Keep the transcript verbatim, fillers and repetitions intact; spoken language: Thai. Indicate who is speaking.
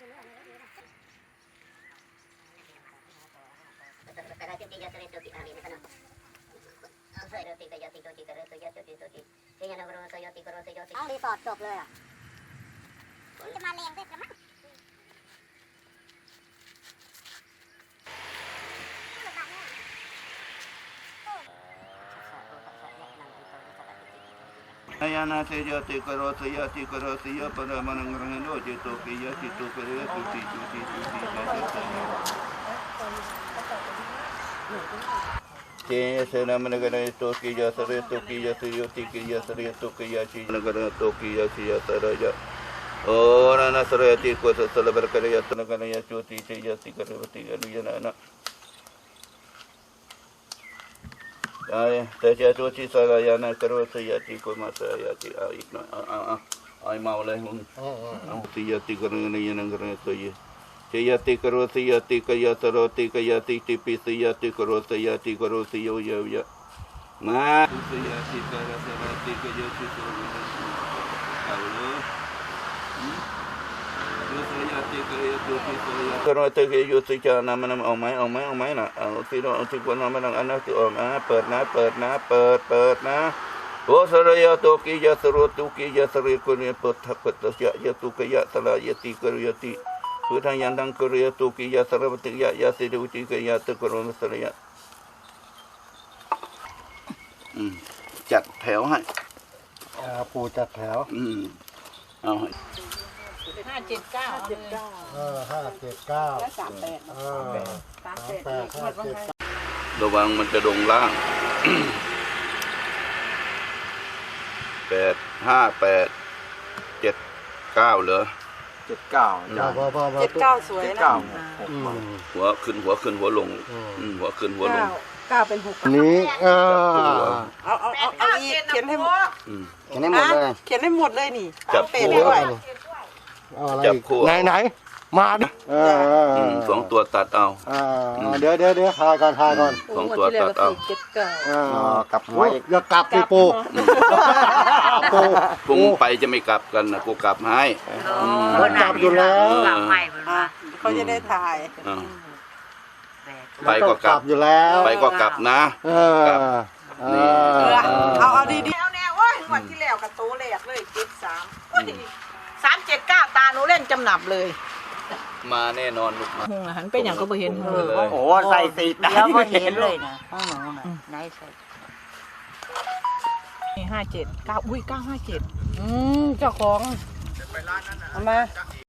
Speaker 1: รีสอร์ทจบเลยอ่ะจะมาเลงด้วยกันมั้ง
Speaker 2: Ayana sejati karo sejati karo siya pada manangrang lo jito kiya jito kaya tuti tuti tuti jaya sena managara to kiya sare to kiya siya ti kiya sare to kiya chi managara to kiya siya taraja ora na sarati ko sa salabar kaya tanagara ya chuti siya ti karo ti aluyana na Ay, saya tu si saya yana karo saya ti ko masaya ti ay na ay maulay hun. Ang saya ti karo na yan ang karo saya. Saya ti karo saya ti kaya taro ti kaya ti ti pi saya ti karo saya ti karo saya ya ya. Ma saya ti karo saya ti kaya ti karo na. Hello. Kalau tu kita juga nama nama omai omai omai na, tidak untuk nama nama anak tu omai pernah pernah per pernah. Oh seraya tu kita seru tu kita seru kuni petah petah ya ya tu kaya salah ya ti kerja ti. Sudah yang dang kerja tu kita seru betul ya ya seru ti kaya tu kerja seraya. Hmm, จัดแถวให้ปูจัดแถวอืมเอา
Speaker 3: ห้าเจ็ดเก้าเจ็ดเก้า
Speaker 4: เออห้าเจ็ดเก้า
Speaker 3: และสามแปด
Speaker 4: เออสามแปดห้าเจ็ด
Speaker 2: ระวังมันจะลงล่างแปดห้าแปดเจ็ดเก้าเหรอ
Speaker 5: เจ็ดเก้า
Speaker 3: เจ็ดเก้าสวยนะ
Speaker 2: หัวขึ้นหัวขึ้นหัวลงหัวขึ้นหัวลง
Speaker 3: เก้าเป็นหก
Speaker 4: นี้เออ
Speaker 3: เอาเอาเอาเอาอีกเขียนให้หมด
Speaker 4: เขียนให้หมดเลย
Speaker 3: เขียนให้หมดเลยนี่
Speaker 2: จับ
Speaker 3: คู่ด้วย
Speaker 4: จับคู่ไหนไหนมาดิ
Speaker 2: สองตัวตัดเอา
Speaker 4: เดี๋ยวเดี๋ยวเดี๋ยวทายก่อนทายก่อน
Speaker 2: สองตัวตัดเอา
Speaker 3: เจ็ดเก้
Speaker 4: ากลับไว้อย่ากลับสิปู
Speaker 2: ปูปุงไปจะไม่กลับกันนะกูกลับให้
Speaker 4: กลับอยู่แล้ว
Speaker 3: เขาจะได้ถ่าย
Speaker 2: ไปก็กลับ
Speaker 4: อยู่แล้ว
Speaker 2: ไปก็กลับนะ
Speaker 4: กลับ
Speaker 3: นี่เอาเอาดีๆเอาแนวโอ้ยวันที่แล้วกับโตแหลกเลยเจ็ดสามสามเจ็ดเก้าตาหนูเล่นจำหนับเลย
Speaker 2: มาแน่นอนลูกมา
Speaker 3: หันไปอย่างก็ไม่เห็น
Speaker 4: โอ้โหใส่สีตา
Speaker 1: แล้วก็เห็นเลยนะห้องหนูน่ะไหนใส่
Speaker 3: ห้าเจ็ดเก้าอุ้ยเก้าห้าเจ็ดอืมเจ้าของเอามา